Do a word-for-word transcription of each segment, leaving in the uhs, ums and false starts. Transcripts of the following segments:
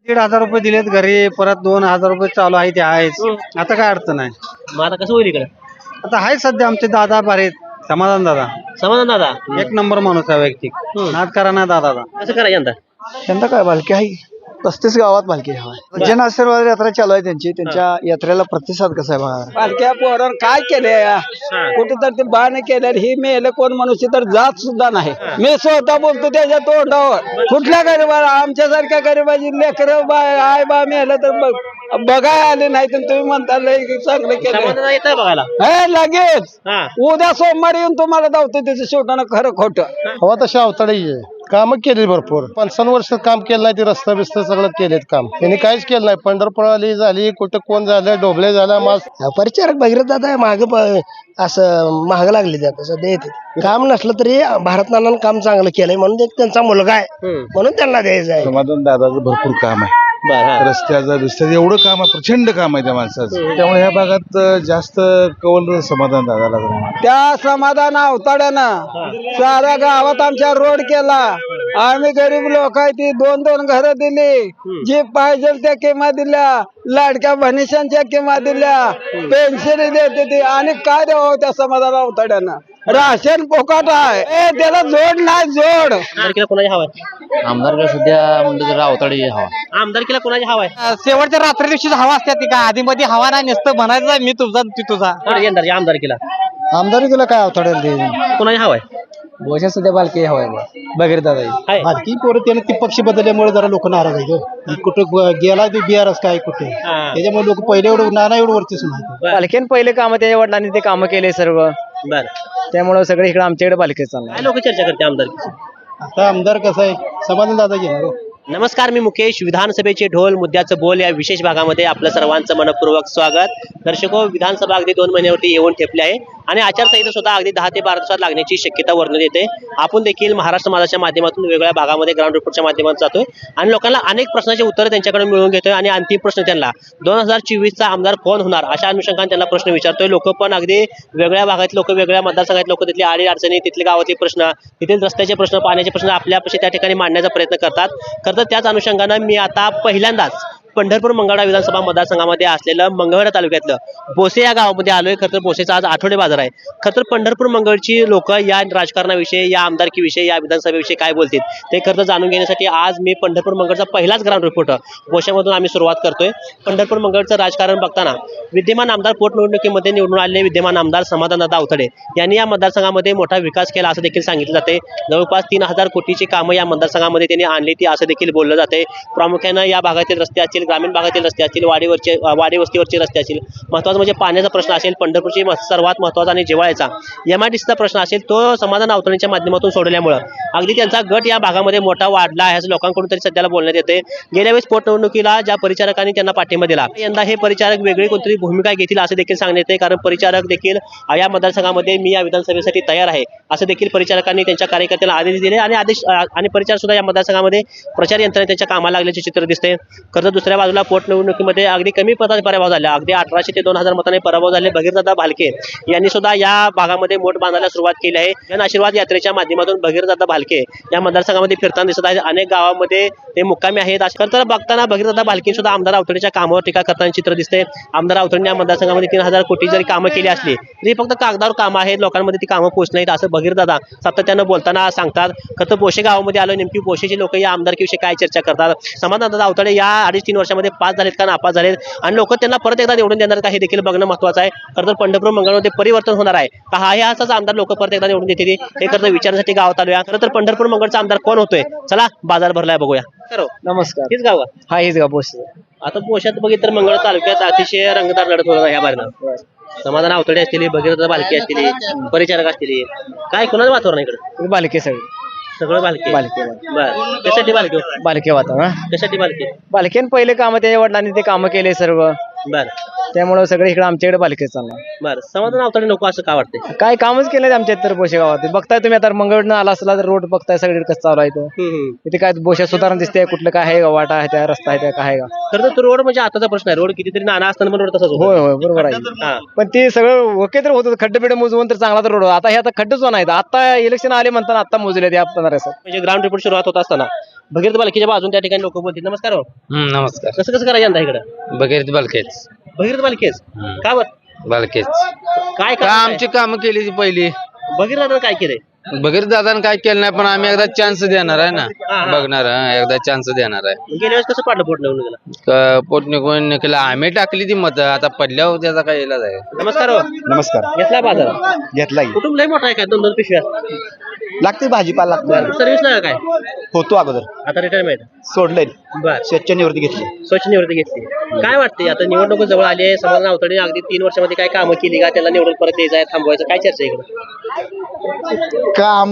दीड हजार रुपये दिलेत घरी, परत दोन हजार रुपये चालू आहे ते आहेच. आता काय अडचण आहे. मग आता कसं होईल इकडे आता आहे सध्या आमचे दादा बरे समाधान दादा समाधान दादा एक नंबर माणूस आहे वैयक्तिक. नाद करा ना दादाचा. कसं करायचं यंदा यंदा काय भालकी आहे, पस्तीस गावात भालकी हवा. जन आशीर्वाद यात्रा चालू आहे त्यांची. त्यांच्या यात्रेला प्रतिसाद कसा आहे बघा. पालख्या पोरांवर काय केले कुठे तर ते बाण केले ही मेल कोण मनुष्य तर जात सुद्धा नाही. मी स्वतः बोलतो त्याच्या तोंडावर. कुठल्या गरीबाला आमच्यासारख्या गरीबाची लेकर बाय आय बा मेलं तर बघ बघाय आले नाही तर तुम्ही म्हणता लय चांगलं केलं. समाधान येतं बघायला हे लगेच हा उद्या सोमवारी येऊन तुम्हाला धावतो त्याचं शेवटानं खरं खोटं. हवा तशी अवताळी आहे. काम केली भरपूर. पंचावन्न वर्ष काम केलं नाही. ते रस्ता बिस्ता सगळं केलेत काम. त्यांनी काहीच केलं नाही. पंढरपूर आली झाली, कुठं कोण झालं, डोबळे झाला, मास परिचारक भगीरथ दादा माग असं महाग लागले जात सध्या येते. काम नसलं तरी भारत नानानं काम चांगलं केलंय म्हणून एक त्यांचा मुलगा आहे म्हणून त्यांना द्यायचं आहे. समाधान दादाचं भरपूर काम आहे. रस्त्याचं बिस्त्याचं एवढं काम आहे, प्रचंड काम आहे त्या माणसाचं. त्यामुळे ह्या भागात जास्त कौल समाधान दादाला जरा. त्या समाधान अवताड्यानं साऱ्या गावात आमच्या रोड केला. आम्ही गरीब लोक आहे ती दोन दोन घरं दिली. जी पाहिजे त्या किंमत दिल्या. लाडक्या बहिणीशांच्या किंमत दिल्या. पेन्शन देते ती. आणि काय द्यावं त्या समाधान अवताड्यानं. राशन पोकाट आहे. ए, त्याला जोड नाही जोड. आमदारकीला कोणाची हवा आहे आमदारकडे सध्या म्हणलं तर अवताळी हवा. आमदारकीला कोणाची हवा आहे शेवटच्या रात्री दिवशी हवा असते ती का आधी मध्ये हवा नाही नसतं म्हणायचं मी तुझा ती तुझा. कोण यंदा या आमदारकीला आमदारी तुला काय अवताडेल ते कोणाची हवा आहे बोशा सध्या बालकी हवाय भगीरथ दादा. आहे. बालकी पोरं त्यानं ती पक्ष बदलल्यामुळे जरा लोक नाराज आहे. कुठं गेला ते बिहारच काय कुठे, हा. त्याच्यामुळे लोक पहिले एवढं नाना एवढं वरतीच नाही. पालखीन पहिले काम त्याच्या वडिलांनी ते काम केले सर्व. बर त्यामुळे सगळे इकडे आमच्याकडे पालखी चालणार. काय लोक चर्चा करते आमदारकीची. आता आमदार कसं आहे, समाधान दादा घेणार. नमस्कार, मी मुकेश. विधानसभेचे ढोल मुद्द्याचं बोल या विशेष भागामध्ये आपलं सर्वांचं मनपूर्वक स्वागत. दर्शको, विधानसभा अगदी दोन महिन्यावरती येऊन ठेपली आहे आणि आचारसंहिता सुद्धा अगदी दहा ते बारा दिवसात लागण्याची शक्यता वर्णन येते. आपण देखील महाराष्ट्र माझाच्या माध्यमातून वेगवेगळ्या भागामध्ये ग्राउंड रिपोर्टच्या माध्यमातून जातोय आणि लोकांना अनेक प्रश्नाचे उत्तर त्यांच्याकडे मिळवून घेतोय आणि अंतिम प्रश्न त्यांना दोन हजार चोवीसचा आमदार कोण होणार अशा अनुषंगाने त्यांना प्रश्न विचारतोय. लोक पण अगदी वेगळ्या भागात लोक वेगळ्या मतदारसंघात लोक तिथले आडी अडचणी, तिथले गावातले प्रश्न, तिथील रस्त्याचे प्रश्न, पाण्याचे प्रश्न आपल्यापाशी त्या ठिकाणी मांडण्याचा प्रयत्न करतात. खरं तर त्याच अनुषंगाने मी आता पहिल्यांदाच पंढरपूर मंगळवेढा विधानसभा मतदारसंघामध्ये असलेलं मंगळवेढा तालुक्यातलं बोसे या गावामध्ये आलोय. खरं तर बोसेचा आज आठवडे बाजार आहे. खरं तर पंढरपूर मंगळची लोक या राजकारणाविषयी, या आमदारकीविषयी, या विधानसभेविषयी काय बोलतील ते खरं तर जाणून घेण्यासाठी आज मी पंढरपूर मंगळचा पहिलाच ग्राउंड रिपोर्टर बोशामधून आम्ही सुरुवात करतोय. पंढरपूर मंगळचं राजकारण बघताना विद्यमान आमदार पोटनिवडणुकीमध्ये निवडून आलेले विद्यमान आमदार समाधानदादा अवताडे यांनी या मतदारसंघामध्ये मोठा विकास केला असं देखील सांगितलं जाते. जवळपास तीन हजार कोटीची कामं या मतदारसंघामध्ये त्यांनी आणली ती असं देखील बोललं जाते. प्रामुख्यानं या भागातील रस्ते असतील, ग्रामीण भागातील रस्ते असतील, वाडीवरचे वाडी वस्तीवरचे रस्ते असतील, महत्त्वाचं म्हणजे पाण्याचा प्रश्न असेल, पंढरपूरची सर्वात महत्त्वाचा आणि जिव्हाळ्याचा एम आय डी सीचा प्रश्न असेल, तो समाधान अवताडेंच्या माध्यमातून सोडवल्यामुळं अगदी त्यांचा गट या भागामध्ये मोठा वाढला आहे असं लोकांकडून तरी सध्याला बोलण्यात येते. गेल्या वेळेस पोटनिवडणुकीला ज्या परिचारकांनी त्यांना पाठिंबा दिला, यंदा हे परिचारक वेगळी कोणतरी भूमिका घेतील असं देखील सांगण्यात येते. कारण परिचारक देखील या मतदारसंघामध्ये मी या विधानसभेसाठी तयार आहे असं देखील परिचारकांनी त्यांच्या कार्यकर्त्यांना आदेश दिले आणि आदेश आणि परिचारक सुद्धा या मतदारसंघामध्ये प्रचार यंत्रणा त्यांच्या कामाला लागल्याचे चित्र दिसते. खरं तर दुसऱ्या बाजूला पोटनिवडणुकीमध्ये अगदी कमी मतांनी पराभव झाला. अगदी अठराशे ते दोन हजार मतांनी पराभव झाले. भगीरथदादा भालके यांनी सुद्धा या भागामध्ये मोठ बांधायला सुरुवात केली आहे. जन आशीर्वाद यात्रेच्या माध्यमातून भगीरथदादा भालके या मतदारसंघामध्ये फिरताना दिसत आहेत. अनेक गावामध्ये ते मुक्कामी आहेत. खरं तर बघताना भगीरथदादा भालके सुद्धा आमदार अवताडेच्या कामावर टीका करताना चित्र दिसते. आमदार अवताडेंनी या मतदारसंघामध्ये तीन हजार कोटी जरी कामं केली असली तरी फक्त कागदावर कामं आहेत, लोकांमध्ये ती कामं पोहोचत नाहीत असं भगीरथदादा सातत्यानं बोलताना सांगतात. खरं तर बोशे गावामध्ये आलो, नेमकी बोशेचे लोक या आमदारकीविषयी काय चर्चा करतात, समाधानदादा अवताडे या अडीच तीन वर्षामध्ये पास झालेत का नापास झालेत आणि लोक त्यांना परत एकदा निवडून देणार का हे देखील बघणं महत्त्वाचं आहे. खरं तर पंढरपूर मंगळमध्ये परिवर्तन होणार आहे का हा हे असाच आमदार लोक परत एकदा निवडून देतील हे खरं तर विचारण्यासाठी गावात आलोया. खरं तर पंढरपूर मंगळचा आमदार कोण होतोय, चला बाजार भरलाय बघूया. नमस्कार. हेच गाव हा हेच गाव बोस. आता पोशात बघितलं तर मंगळ तालुक्यात अतिशय रंगतदार लढत होणार ह्या बारीनं. समाधान अवताडे असतील, भगीरथदादा भालके असतील, परिचारक असतील, काय कोणाचं वातावरण इकडे बालके सगळे सगळं बालके बालके बरं. कशासाठी बालके बालके वातावरण. कशासाठी बालके बालकेन पहिले काम त्याच्या वडिलांनी ते काम केले सर्व. बरं त्यामुळे सगळे इकडे आमच्याकडे पालखी चालणार. बरं. समाधान अवताडे नको असं का वाटतंय. काय कामच केलं आमच्या तर बोशे गावात. बघताय तुम्ही आता मंगळवेढनं आला असला तर रोड बघताय सगळीकडे कसं चालू आहे इथं. इथे काय बोशा सुधारण दिसते, कुठलं काय आहे का, वाटा आहे त्या, रस्ता आहे त्या, काय आहे का. खरं तर रोड म्हणजे आताचा प्रश्न आहे. रोड कितीतरी नाना असताना पण रोड तसाच होता. होय होय बरोबर आहे. पण ते सगळं ओके तर होतं, खड्डे बिड्डे मोजवून तर चांगला तर रोड. आता हे आता खड्डेच होणार आहेत. आता इलेक्शन आले म्हणताना आता मोजले ते आपण म्हणजे ग्राउंड रिपोर्ट सुरुवात होत असताना भगीरथ बालकीच्या बाजून त्या ठिकाणी लोक बोलतील. नमस्कार हो. नमस्कार. कसं कसं करायचं यंदा इकडं बघेरीत बालकेच भगीरथ बालकेच का बर बालकेच काय का काम आमची कामं केली ती पहिली. भगीरथ काय केलंय बघेरीत दादानं काय केलं नाही पण आम्ही एकदा चान्स देणार आहे ना. हा, हा. बघणार हा, एकदा चान्स देणार आहे. गेल्या वेळेस कसं पाडलं पोट निवडणुकीला. क- पोट निघून निघलं आम्ही टाकली ती मत आता पडल्यावर त्याचा काय इलाज आहे. नमस्कार हो. नमस्कार. घेतला बाजार घेतलाय. कुटुंब लय मोठा आहे काय दोन दोन पिशव्या लागते भाजीपाला लागतो. सर्व्हिस नाही काय होतो अगोदर आता रिटायरमेंट सोडलंय. बर स्वच्छ निवृत्ती घेतली. स्वच्छ निवृत्ती घेतली. काय वाटते आता निवडणूक जवळ आली आहे. समाधान अवतडे अगदी तीन वर्षामध्ये काय कामं केली का त्याला निवडून परत द्यायचं आहे थांबवायचं काय चर्चा आहे इकडं. काम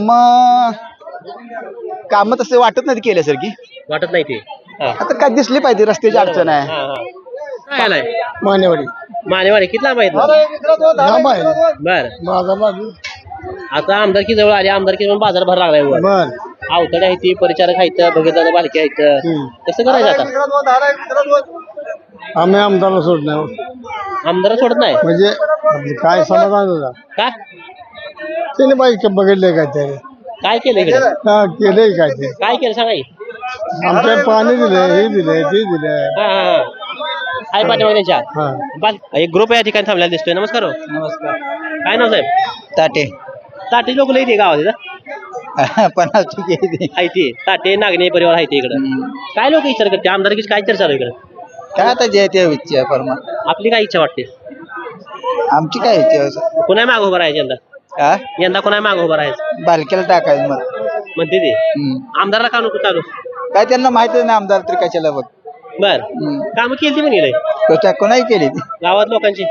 काम तसे वाटत नाही केल्यासारखी. वाटत नाही ते हा. आता काय दिसली पाहिजे रस्त्याची अडचण आहे. हा, हा. काय आलाय मानेवाडी मानेवाडी किती लांब आहेत लांब आहे बर माझा बाजू आता आमदारकी जवळ आली आमदारकी म्हणून बाजार भर लागलाय वर. बर अवतडे आहे ती परिचारक आहेत भगीरथ बालके आहेत कसं करायचं आता. आम्ही आमदारला सोडणार आमदार सोडत नाही म्हणजे काय समाधान होता का त्याने बाईक बघितले काय ते काय केलं इकडे हा केलंय काय ते काय केलं सांगा की. आमच्या पाणी दिलंय हे दिलंय ते दिलंय हा हा हा आहे पाठीमागे त्यांच्या हा बाल एक ग्रुप या ठिकाणी थांबलेला दिसतोय. नमस्कार हो. नमस्कार. काय नाव साहेब ताटे ताटे लोक लई ते गावात इथं. पन्नास टक्के आहे ते ताटे नागणे परिवार आहे ते इकडं. काय लोक विचार करते आमदारकीची काय चर्चा चालू आहे इकडं. काय आता जे ते इच्छा परमा आपली काय इच्छा वाटते आमची काय इच्छा कोणा मागं उभं राहायचं यंदा हा यंदा कोणा मागं उभं राहायचं बालकेला टाकायचं मग. म्हणते ते आमदारला का नको चालू काय त्यांना माहितच नाही आमदार तरी कशाला बघ. बर कामं केली ती पण गेलंय तो कोणाही केली ती. गावात लोकांची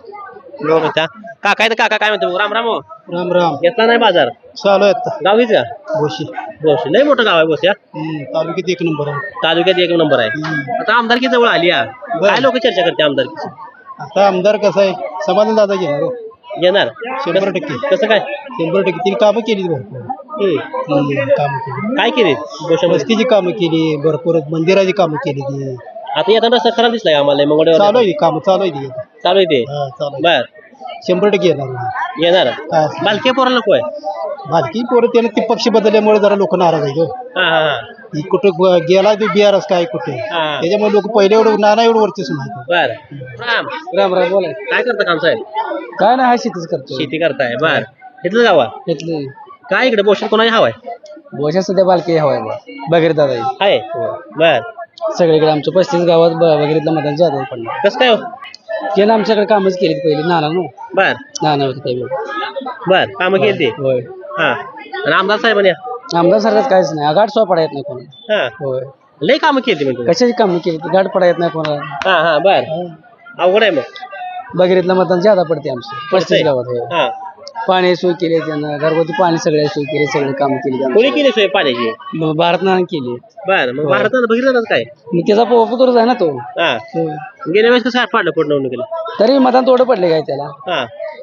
लोक काका आहे तर काका काय म्हणतो राम राम हो. राम राम घेतला नाही बाजार चालू आहेत गाव हीच का गोशी बोस लय मोठं गाव आहे बोस या तालुक्यात एक नंबर आहे तालुक्यात एक नंबर आहे. आता आमदारकी जवळ आली या काय लोक चर्चा करते आमदारकीची. आता आमदार कसं आहे समाधान दादा घेणार हो. येणार शंभर टक्के कसं काय शंभर टक्के तिने कामं केली भरपूर हम्म. कामं केली काय केले वस्तीची कामं केली भरपूर मंदिराची कामं केली ती आता येताना रस्ता खराब दिसलाय आम्हाला चालू मंगळवार आहे ती कामं चालू आहे ती चालू आहे ते हा, चालू आहे. बर शंभर टक्के येणार येणार हा. बालके पोराला नको आहे. बालकी पोरं त्याने ते पक्ष बदलल्यामुळे जरा लोक नाराज आहेत हो. हा हा हा ही कुठं ग- गेला तो बिहारच काय कुठे हा. त्याच्यामुळे लोक पहिले एवढं नाना एवढं वरती सुनायचं बर राम राम राम बोला काय करता काम साहेब काय नाही हा शेतीच करतो शेती करताय बर इथलं गावा घेतले काय इकडे बोशन कोणाची हवाय बोशा सध्या बालकी हवाय बघेर दादा आहे बर सगळीकडे आमच्या पस्तीस गावात बघितलं मतदान जादा पडलं कसं काय हो केलं आमच्याकडे कामच केली पहिले नाना नो बर नाना होते त्यावेळी बर कामं केली ते होय हा आणि आमदार साहेबांनी आमदार सारखंच काहीच नाही गाठ सो पडा येत नाही कोणी हा होय लय कामं केली म्हणजे कशाची कामं केली ती गाठ पडा येत नाही कोणाला हा हा बर अवघड आहे मग बघितलं मतदान जादा पडते आमचं पस्तीस गावात होय हा पाणी सोय केली त्यांना घरगुती पाणी सगळ्या सोय केली सगळे काम केली कोणी केली सोय पाण्याची भारत नाना केली बर मग भारतानं बघितलं काय मग त्याचा पोपतोरच आहे ना तो हा गेल्या वेळेस कसं पाडलं पोट निवडणुकीला तरी मतदान थोडं पडले काय त्याला हा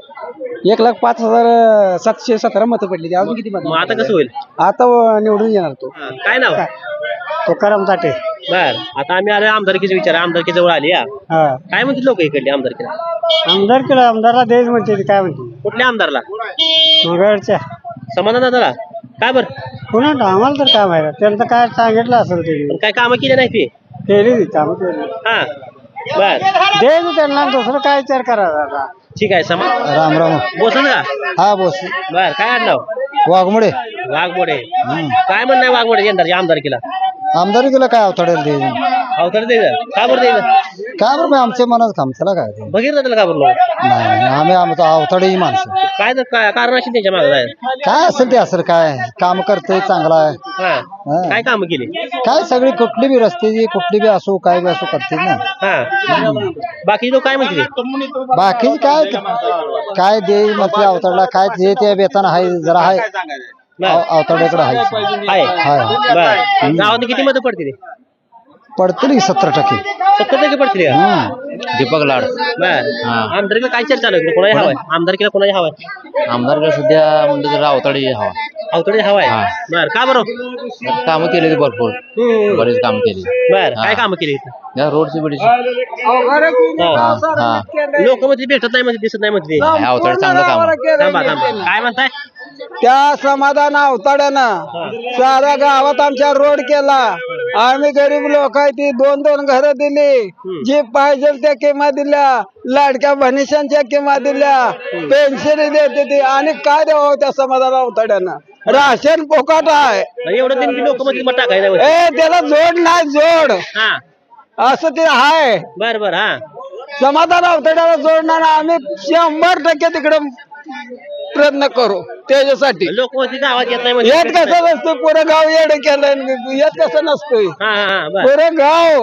एक लाख पाच हजार सातशे सतरा मतं पडली ती अजून किती मग मत आता कसं होईल आता निवडून येणार तो हा, काय नाव तुकाराम ताटे बर आता आम्ही आलो आमदारकीचे विचार आमदारकी जवळ आली या हा काय म्हणते लोक इकडली आमदारकीला आमदार केला आमदारला देश म्हणते काय म्हणते कुठल्या आमदारला मंगळच्या समाधान दादाला काय बर पुन्हा आम्हाला तर काय माहिती त्यांचं काय सांगितलं असेल पण काय कामं केली नाही ती केली काम केली हा बर दे त्यांना दुसरं काय विचार करा ठीक आहे समा राम राम बोसन का हा बोस बर काय आडनाव वाघमोडे वाघमोडे काय म्हणणं आहे वाघमोडे यंदाच्या आमदारकीला आमदारी केलं काय अवताडेल दे अवतर द्यायचं का बरं द्यायचं काय बरं आमच्या मनात काम त्याला काय बघितलं त्याला का बरं लोक? नाही आम्ही आमचं अवताडेची माणसं काय तर काय कारण असेल त्याच्या मागे जायला काय असेल ते असेल काय काम करतोय चांगला आहे हा हा. काय कामं केली काय सगळी कुठली बी रस्त्याची कुठली बी असो काय बी असो करते ना हा बाकी लोक काय म्हणते बाकी काय काय दे म्हटलं अवताडला काय जे ते वेतन आहे जरा आहे अवताड्याकडे आहे आहे हाय बर गावात किती मतं पडतील पडतील सत्तर टक्के सत्तर टक्के पडतील का? हम्म. दीपक लाड बर आमदारकीला काय चर्चा चालू आहे कोणाची हवाय आमदारकीला कोणाची हवाय आमदार सध्या म्हणलं तर रावताडी हवा अवतडे हवाय हा. बर का बरं कामं केली होती भरपूर हम्म. बरेच काम केली बर काय हा. कामं केली इथं या रोडची बिडची हा हा लोक मध्ये भेटत नाही मध्ये दिसत नाही मध्ये अवताड चांगलं काम आहे. थांबा थांबा काय म्हणताय त्या समाधान अवताड्यानं साऱ्या गावात आमच्या रोड केला. आम्ही गरीब लोक आहे ती दोन दोन घरं दिली, जी पाहिजे त्या किंमत दिल्या, लाडक्या बहिणीशांच्या किंमत दिल्या, पेन्शन देते ती. आणि काय द्यावं त्या समाधान अवताड्यानं? राशन पोकाट आहे. एवढं त्यांनी लोक मध्ये मग टाकायचं ए त्याला जोड नाही जोड हा असं ते आहे. बर बर हा समाधान अवतड्याला जोडणार आम्ही शंभर टक्के तिकडे प्रयत्न करू त्याच्यासाठी. लोक मध्ये गावात येत नाही म्हणजे येत कसं नसतं, पुरं गाव येडं केलं. येत कसं नसतंय, हा हा हा बर पुरं गाव.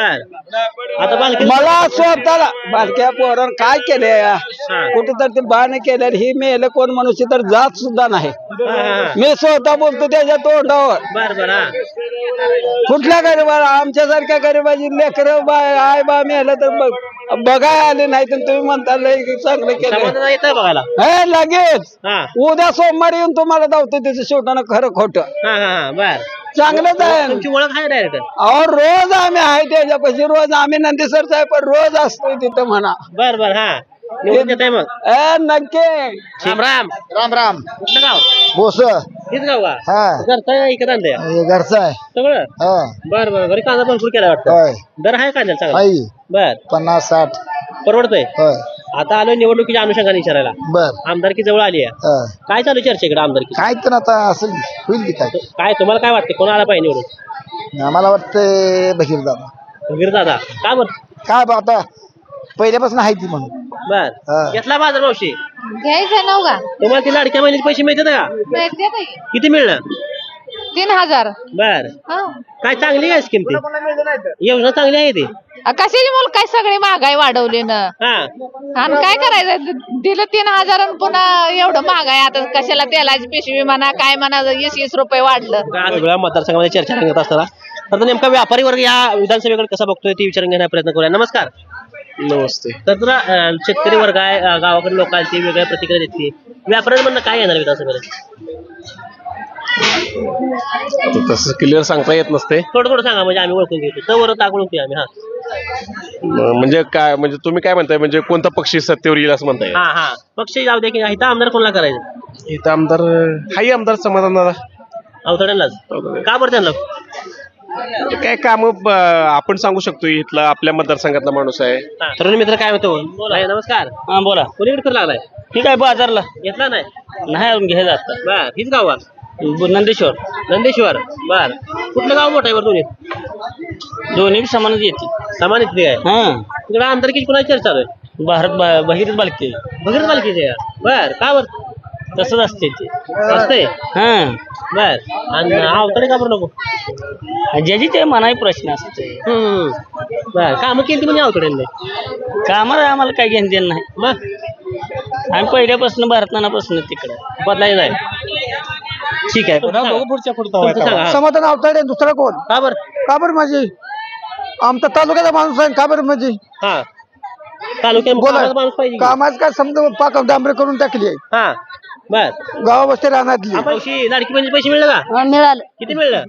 बर आता बालकी मला स्वतःला बालक्या पोरण काय केले कुठे तर ते बाण केलं ही मेलं कोण मनुष्य तर जात सुद्धा नाही. हा, हा, हा. मी स्वतः बोलतो त्याच्या तोंडावर. बर बर हा कुठल्या गरीबाला आमच्यासारख्या गरीबाची लेकरं बा आय बा मेलं तर बघ- बघाय आले नाही तर तुम्ही म्हणता लय चांगलं केलं. समाधान येतं बघायला हे लगेच हा उद्या सोमवारी येऊन तुम्हाला दावतो त्याचं शेवटानं खरं खोटं हा हा हा बर चांगलंच आहे. तुमची ओळख आहे डायरेक्ट अहो रोज आम्ही आहे त्याच्यापाशी, रोज आम्ही नंदीसरचा आहे पण रोज असतोय तिथं म्हणा. बर बर हा निवडून येत आहे मग ए नक्की. राम राम राम राम. कुठलं गाव बोस हेच गाव का हा घरचं इकडे आणलंय घरचा आहे. सगळं हा बर बर घरी कांदा भरपूर केला वाटतं. होय दर आहे कांद्याला चांगला आई बर पन्नास साठ. परवडतोय. होय आता आलोय निवडणुकीच्या अनुषंगाने विचारायला. बर. आमदारकी जवळ आली आहे, हा. काय चालू चर्चा इकडे आमदारकी? काय तर आता असं होईल की काय. काय तुम्हाला काय वाटतं कोण आला पाहिजे निवडून? आम्हाला वाटतंय बशीर दादा. वीर दादा का बर काय बा आता पहिल्यापासून आहे ती म्हणून. बर हा. घेतला बाजार मावशी घ्यायचं नव का तुम्हाला ती लाडक्या महिन्याचे पैसे मिळतात का? मिळते ताई. किती मिळणार? तीन हजार बर हा. काय चांगली आहे स्कीम ती? योजना चांगली आहे ती. अ, कशाची मुल काय सगळी महागाई वाढवली ना हा आणि काय करायचं द- दिलं तीन हजार आणि पुन्हा एवढं महागाई आता कशाला तेलाची पिशवी म्हणा काय म्हणा वीस वीस रुपये वाढलं. वेगवेगळ्या मतदारसंघामध्ये चर्चा रंगत असताना तर नेमका व्यापारी वर्ग या विधानसभेकडे कसा बघतोय ती विचारून घेण्याचा प्रयत्न करूया. नमस्कार. नमस्ते. तर तुला अं, शेतकरी वर्ग आहे, अं, गावाकडे लोक आहेत, ती वेगळ्या प्रतिक्रिया देते. व्यापाऱ्यांमधनं काय येणार विधानसभेला? तसं क्लिअर सांगता येत नसते. थोडं थोडं सांगा म्हणजे आम्ही ओळखून घेतो. तर टाकून घेऊ आम्ही. हा म- म्हणजे काय म्हणजे तुम्ही काय म्हणताय म्हणजे कोणता पक्षी सत्तेवर येईल असं म्हणताय? हा हा पक्ष जाऊ दे की इथं आमदार कोणाला करायचं? इथं आमदार हाही आमदार समाधान दादा. अवतड्यांनाच का बरं त्यांना? काय काम आपण सांगू शकतो, इथला आपल्या मतदारसंघातला माणूस आहे. हा. तरुण मित्र काय म्हणतो? बोला नमस्कार. हा बोला. कोणीकडे फिरू लागलाय? ठीक आहे बाजारला घेतला नाही नाही अजून घ्यायला आता. बर हीच गाव का? नंदेश्वर नंदेश्वर. बर कुठलं गाव मोठं आहे बरं दोन्ही? दोन्ही बी समानच येते. समान इथली आहे. हा तिकडे आमदारकीची कुणाची चर्चा चालू आहे? भारत बहिरीत बालके भगीरथ बालकीचे आहे. बर का बर तसंच असते ते. असतंय? हा बर आणि अवतडे का बरं नको? ज्याची ते मनाई प्रश्न असते. हम्म. बर कामं केली म्हणजे अवतड्यांनी कामाला आम्हाला काय घेणं देणं नाही. मग आम्ही पहिल्यापासून भारतनापासून तिकडे बदलायचं नाही. ठीक आहे तुमचं सांगा. हा. समाधान अवताडे दुसरा कोण? का बर का बरं माझी आमचा तालुक्याचा माणूस आहे का बरं म्हणजे हा तालुक्यात कामाचा माणूस पाहिजे की? कामाच काय समजा पाक डांबरे करून टाकली आहे हा बर गावा बसते रानातली. मावशी लाडकी बहिणीचे पैसे मिळले का? मिळालं किती मिळलं?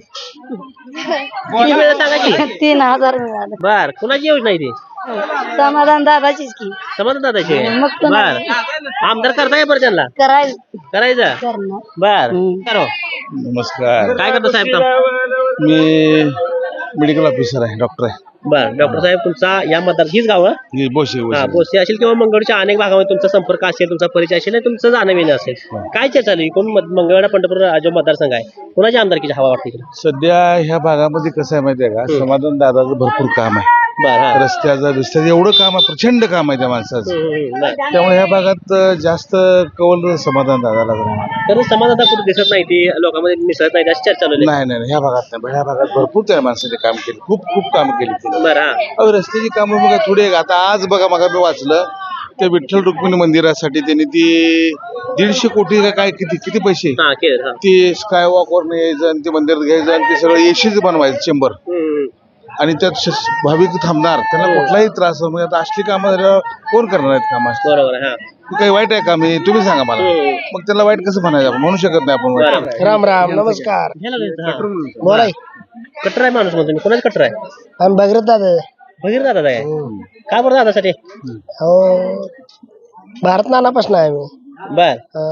किती मिळलं सांगा की? तीन हजार मिळालं. बर कुणाची योजना आहे ती? समाधान दादाचीच की समाधान दादाची आहे? मग तर बर आमदार करताय बरं त्यांना करायचं करायचं करणं. बर करो. नमस्कार. काय करतो साहेब काम? मी मेडिकल ऑफिसर आहे, डॉक्टर आहे. बर डॉक्टर साहेब तुमचा या मतदार हीच गाव? हे बोशे हा बोशे. बोसे असेल किंवा मंगळच्या अनेक भागामध्ये तुमचा संपर्क असेल, तुमचा परिचय असेल आणि तुमचं जाणं येणं असेल. काय चर्चा चालू आहे? कोण मत- मंगळवेढा पंढरपूर जो मतदारसंघ आहे कोणाच्या आमदारकीची हवा वाटते इकडे? सध्या ह्या भागामध्ये कसं आहे माहितीये का, समाधान दादाचं भरपूर काम आहे. बर हा रस्त्याचं बिस्त्याचं एवढं काम आहे, प्रचंड काम आहे त्या माणसाचं. हम्म, हम्म, बर. त्यामुळे ह्या भागात अं, जास्त कौल समाधान दादाला करणार. तर समाधान कुठे दिसत नाही, ती लोकांमध्ये मिसळत नाही अशी चर्चा चालू आहे. नाही नाही नाही, ह्या भागात नाही. ह्या भागात भरपूर त्या माणसाने काम केलं, खूप खूप काम केली. बर हा अहो, रस्त्याची कामं बघा थोडी. आता आज बघा मग मी वाचलं त्या विठ्ठल रुक्मिणी मंदिरासाठी त्यांनी ती दीडशे कोटी का काय किती किती पैसे हा केलं हा ते स्काय वॉकवर यायचं आणि ते मंदिरात घ्यायचं आणि ते सगळं एशीच बनवायचं चेंबर. हम्म. आणि त्यात श- भाविक थांबणार, त्यांना कुठलाही त्रास होणार नाही. आता असली कामं झाल्यावर कोण करणार आहेत कामं? बरोबर आहे, हा हे काही वाईट आहे का? मी तुम्ही सांगा मला. हम्म. मग त्याला वाईट कसं म्हणायचं? आपण म्हणू शकत नाही आपण वाईट. बरोबर. राम राम नमस्कार. घ्यायला लागलं, हा. बोलाय कट्टर आहे माणूस म्हणतो मी. कोणाच कट्टर आहे? आम्ही भगीरथ दादा. भगीर दादा आहे. का बरं दादासाठी? हो भारत नानापासून आहे आम्ही. बर हा.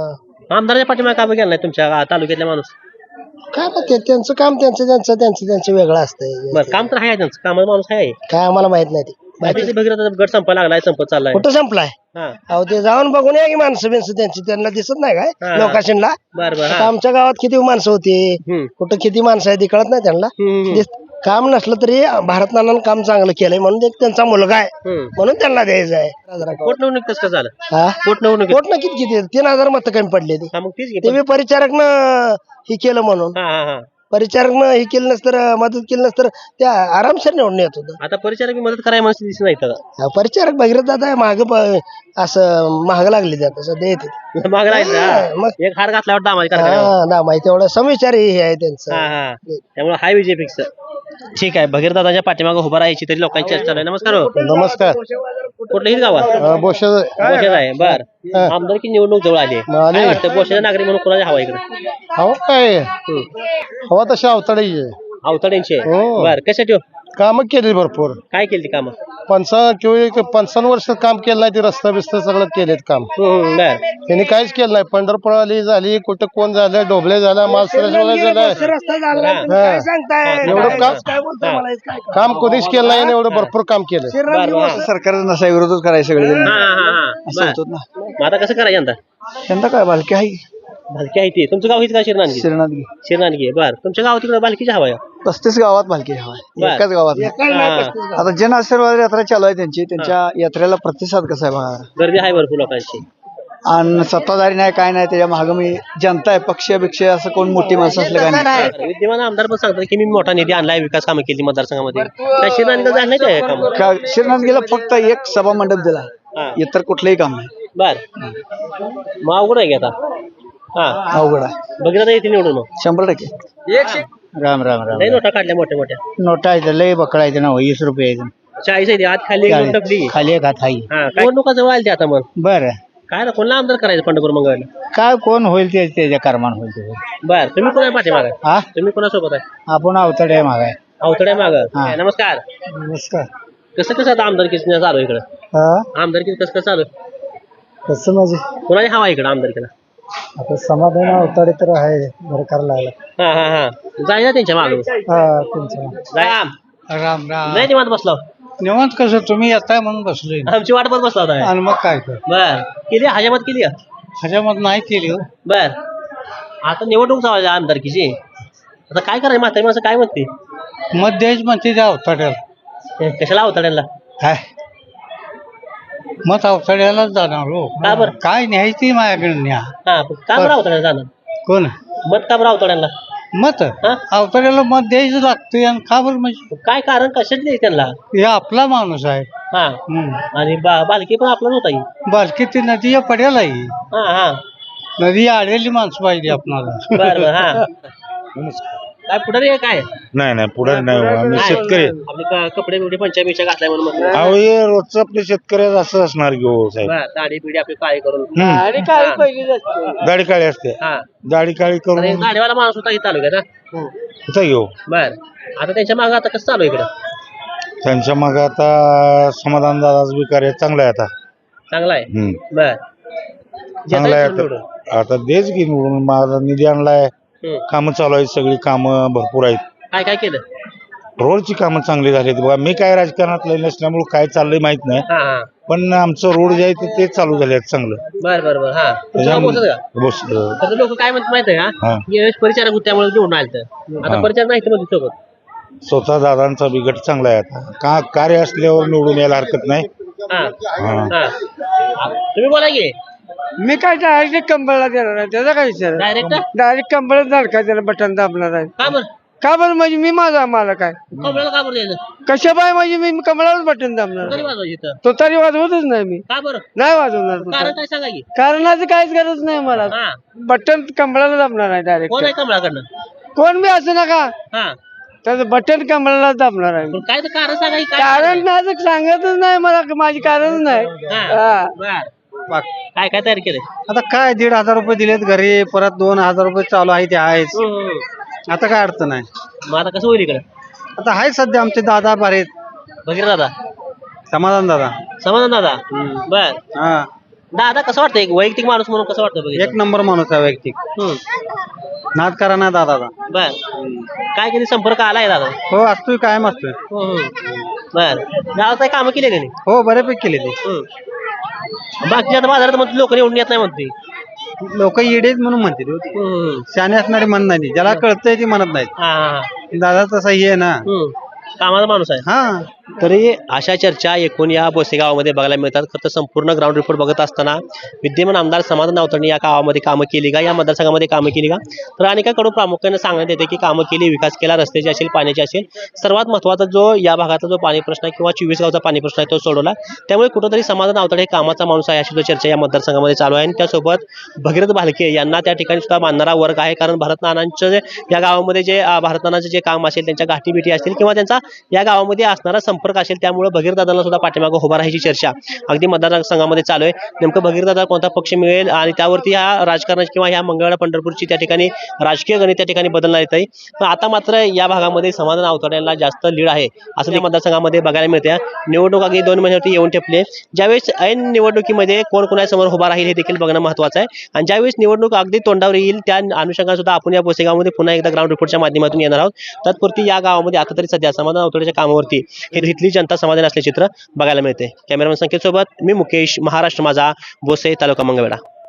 आमदाराच्या पाठीमागे का गेला नाही तुमच्या गा- तालुक्यातला माणूस? काय ना ते त्यांचं काम त्यांचं त्यांचं त्यांचं त्यांचं वेगळं असतंय. बरं काम तर आहे त्यांचं, कामाचा माणूस आहे. काय आम्हाला माहित नाही ते. बाकी भगीरथ गट संपायला लागलाय, संपत चाललाय. कुठं संपलाय? हा अहो ते जाऊन बघून या की माणसं बिनसं त्यांची, त्यांना दिसत नाही हा. काय लोकांना? बर बर आता आमच्या गावात किती माणसं होती, हम्म. कुठं किती माणसं आहे ते कळत नाही त्यांना. हम्म. दिस- काम नसलं तरी भारत नानानं काम चांगलं केलंय म्हणून एक त्यांचा मुलगा आहे हम्म. म्हणून त्यांना द्यायचं आहे. पोटनिवडणूक कसं काय झालं? हा पोटनिवडणूक पोट ना किती किती तीन हजार मत कमी पडले ते. हा मग तीच घे. ते बी परिचारकनं हे केलं म्हणून. हा हा हा परिचारकनं हे केलं नसतं, मदत केली नसतं त्या आरामशीर निवडून येत होतं. आता परिचारक मदत करायला माणसं दिसत नाही तर हा, परिचारक भगीरथ दादा माग असं महाग लागले ते आता सध्या येते. माग राहायचं. हा, मग. हा. एक हार घातल्यावर दामाजी करा. हा ना माहिती एवढं समविचार हे आहे त्यांचं. हा हा त्यामुळे हाय विजय फिक्स. ठीक आहे, भगीरदादाच्या पाठीमागे उभा राहायची तरी लोकांची चर्चा चालू आहे. नमस्कार हो. नमस्कार. कुठल्याही गावात अं, बोशा बोशाचं आहे. बर हा. आमदारकी निवडणूक जवळ आली आहे. आली. काय वाटतं बोशाच्या नागरिक म्हणून कोणाच्या हवा इकडे? हो काय हवा तशी अवताळी अवतड्यांचे हो. बर कशासाठी हो? कामं केली भरपूर. काय केली ती कामं? पंचावन्न किंवा पंचावन्न वर्ष काम केलं नाही ते रस्ता बिस्ता सगळं केलेत काम. हम्म, बर त्यांनी काहीच केलं नाही. पंढरपूर आली झाली, कुठं कोण झालं, डोबळे झाला, मालसरा झाला. रस्ता झाला नाही, तुम्ही हा. काय सांगताय? एवढं काय- काम- काय बोलताय मला? काय काम कोणीच केलं नाही आणि एवढं भरपूर काम केलं. बर बर सरकारचा नसा विरोधच करायचं सगळे हा हा हा बर. मग आता कसं करायचं यंदा? यंदा काय बालकी आहे भालकी आहे ती. तुमचं गाव हिच का शिरनानगी? श्रीनाथगी शिरनानगी आहे. बर तुमच्या गावात तिकडे भालकीची हवा आहे? पस्तीस गावात बालकी हवा बर. एकाच गावात नाही. हा. आता जन आशीर्वाद यात्रा चालू आहे त्यांची, त्यांच्या यात्रेला प्रतिसाद कसा आहे बघा. गर्दी आहे भरपूर लोकांची. आणि सत्ताधारी नाही काय नाही, त्याच्या मागे मी जनता आहे, पक्ष बिक्ष असं कोण मोठी माणसं असलं काय नाही. विद्यमान आमदार पण सांगतात की मी मोठा निधी आणलाय, विकास कामं केली मतदारसंघामध्ये. काय शिरनानगी झालं नाही काय काम? का श्रीनाथगीला फक्त एक सभा मंडप दिला, हा इतर कुठलंही काम नाही. बर मग अवघड आहे की आता. हा अवघड आहे बघितलं येते निवडून मग. शंभर टक्के. राम राम राम. लई नोटा काढल्या मोठ्या मोठ्या. नोटा आहे लय बकळायचे ना, वीस रुपये चाळीस आहे ते, आत खाली एक नोट टाकली. खाली एक हात आहे. हा काय निवडणुका जवळ आली ते आता मग. बर काय ना कोणला आमदार करायचं पंढरपूर मंगळवारला? काय कोण होईल ते त्याच्या कर्मान होईल ते. बर तुम्ही कोणा पाठीमाग आहे? हा तुम्ही कोणासोबत आहे? आपण अवतडे मागाय. अवतड्या माग. हा. नमस्कार. नमस्कार. कसं कसं आता आमदारकीचं चालू आहे इकडं? हा आमदारकी कसं कसं चालू आहे? कसं म्हणजे कोणाची हवा आहे इकडं आमदारकीला? आता समाधान अवताडे तर आहे, बरं करायला लागला. हा हा हा जायला त्यांच्या मागे. हा तुमचं राम राम राम. नाही निवांत बसलो. निवांत कसं तुम्ही येताय म्हणून बसलोय. आमची वाट बघत बसला होता. आणि मग काय कर बर केली हजामत केली का? ह्याच्यामध्ये नाही केली हो. बर आता निवडणूक चालू आहे आमदारकीची. आता काय करायचं म्हातारी माणसं काय म्हणते? मत द्यायची म्हणते त्या अवताड्याला. कशाला अवतड्यांना? काय मत अवताड्यालाच जाणार हो. का बरं? काय न्यायची माझ्याकडे न्या. हा पण का बरं अवतड्याला जाणार? कोण मत का बरं अवतड्यांना? मत हा? अवताड्याला मत द्यायचं लागतं. आणि का बरं म्हणजे काय कारण कशात नाही त्यांना? हे आपला माणूस आहे. हा हम्म. आणि बा- बालकी पण आपलाच होता ही. बालकी ती नदीच्या पड्याला आहे. हा हा नदी आलेली माणसं पाहिजे आपणाला. बर बर हा काय पुढे आहे काय? नाही नाही पुढे नाही हो. आम्ही शेतकरी आहे. आपले क- कपडे बिपडे पंचा बिंचा घातलाय म्हणून म्हटलं. अहो हे रोजचं आपल्या शेतकऱ्याचं असं असणार की हो साहेब. बर दाढी बिडी आपली काळी करून. आणि काय पहिली असते. दाढी काळी असते. हा दाढी काळी आणि करून एक दाढीवाला माणूस होता इथं तालुक्यात. हा? कुठं घेऊ. बर आता त्यांच्या मागे आता कसं चालू आहे इकडं? त्यांच्या मग आता समाधान दादाच बी कार्य चांगलं आहे आता. चांगला आहे. हम्म. बर चांगलं आहे निवडून. आता. आता देच की निवडून. माझा निधी आणलाय. हम्म. कामं चालू आहेत, सगळी कामं भरपूर आहेत. काय काय केलं? रोडची कामं चांगली झालीत बघा. मी काय राजकारणातलं नसल्यामुळे काय चाललंय माहित नाही, हा हा पण आमचं रोड जे आहे ते- ते चालू झाले आहेत चांगलं. बर बर बर हा तुमचं नाव पोहोचत का? बस अं, तर लोक काय म्हणतात माहिती आहे का? हा. यावेळेस परिचारक होते त्यामुळे निवडून आलं तर आता हा. परिचारक नाही तर मध्ये सोबत. स्वतः दादांचा बी गट चांगला आहे आता. का कार्य असल्यावर निवडून यायला हरकत नाही. हा हा. हा तुम्ही बोला की मी काय डायरेक्ट कंबळला देणार आहे, त्याचा काय विचार? डायरेक्ट. डायरेक्ट कंबळच झालं काय त्याला बटन दाबणार आहे. का बरं का बरं म्हणजे मी माझा मला काय कमळाला का बरं द्यायचं? कशा बाय म्हणजे मी कमळालाच बटन दाबणार तरी आहे. वाजवायची इथं. तो तरी वाजवतच नाही मी. का बरं? नाही वाजवणार तो कारण तरी. काय सांगा की? कारणाची काहीच गरज नाही मला. हा बटन कमळाला दाबणार आहे डायरेक्ट. कोण आहे कमळाकडनं? कोण बी असं नका, हा त्याचं बटन कमळाला दाबणार आहे. पण काय तर कारण सांगा की काय कारण माझं सांगतच नाही मला, माझी कारणच नाही. हा हा. बर काय काय तयार केलंय? आता काय दीड हजार रुपये दिलेत घरी, परत दोन हजार रुपये चालू आहे ते आहेच. हम्म. आता काय अडचण नाही. मग आता कसं होईल इकडं? आता आहे सध्या आमचे दादा बारेत, बघितलं दादा समाधान दादा. समाधान दादा बर हा दादा कसं वाटतं एक वैयक्तिक माणूस म्हणून कसं वाटतं बघितलं? एक नंबर माणूस आहे वैयक्तिक. हम्म. नाद करा ना दादाचा. बर काय कधी संपर्क आलाय दादा? हो असतोय कायम असतोय. बर गावात काही कामं केली त्यांनी? हो बऱ्यापैकी केले ते. बाकी आता बाजारात म्हणते लोक निवडून येत नाही म्हणते. लोक येडेच म्हणून म्हणते ते. हम्म. शाने असणारे म्हणत नाही, ज्याला कळतंय ते म्हणत नाहीत. हा हा दादा तसा हे आहे ना. हम्म. कामाचा माणूस आहे. हा तरी अशा चर्चा एकूण या बोसे गावामध्ये बघायला मिळतात. खरं तर संपूर्ण ग्राउंड रिपोर्ट बघत असताना विद्यमान आमदार समाधान नावतणी या गावामध्ये कामं केली का, या मतदारसंघामध्ये कामं केली का, तर अनेकांकडून प्रामुख्याने सांगण्यात येते की कामं केली, विकास केला, रस्त्याची असेल, पाण्याची असेल. सर्वात महत्त्वाचा जो या भागातला जो पाणी प्रश्न आहे किंवा चोवीस गावचा पाणी प्रश्न आहे तो सोडवला. त्यामुळे कुठंतरी समाधान नावतणे हे कामाचा माणूस आहे अशी चर्चा या मतदारसंघामध्ये चालू आहे. आणि त्यासोबत भगीरथ भालके यांना त्या ठिकाणी सुद्धा मानणारा वर्ग आहे. कारण भारत नानांचं जे या गावामध्ये जे अं, भारत नानांचं जे काम असेल, त्यांच्या गाठीबिटी असतील किंवा त्यांचा या गावामध्ये असणारा संपर्क असेल, त्यामुळे भगीरदादांना सुद्धा पाठीमागं उभा राहायची चर्चा अगदी मतदारसंघामध्ये चालू आहे. नेमकं भगीरदादा कोणता पक्ष मिळेल आणि त्यावरती ह्या राजकारणाची किंवा ह्या मंगळवेढा पंढरपूरची त्या ठिकाणी राजकीय गणित त्या ठिकाणी बदलणार येत आहे. पण आता मात्र या भागामध्ये समाधान आवताड्यांना जास्त लीड आहे असं या मतदारसंघामध्ये बघायला मिळते. निवडणूक अगदी दोन महिन्यावरती येऊन ठेपले. ज्यावेळेस ऐन निवडणुकीमध्ये कोण कोणासमोर उभा राहील हे देखील बघणं महत्त्वाचं आहे. आणि ज्यावेळेस निवडणूक अगदी तोंडावर येईल त्या अनुषंगाने सुद्धा आपण या बोसेगावमध्ये पुन्हा एकदा ग्राउंड रिपोर्टच्या माध्यमातून येणार आहोत. तत्पुरती या गावामध्ये आता तरी सध्या समाधान आवताड्याच्या कामावरती हे इथली जनता समाधान असले चित्र बघायला मिळते. कॅमेरामन संकेत सोबत मी मुकेश, महाराष्ट्र माझा, बोसे, तालुका मंगळवेढा.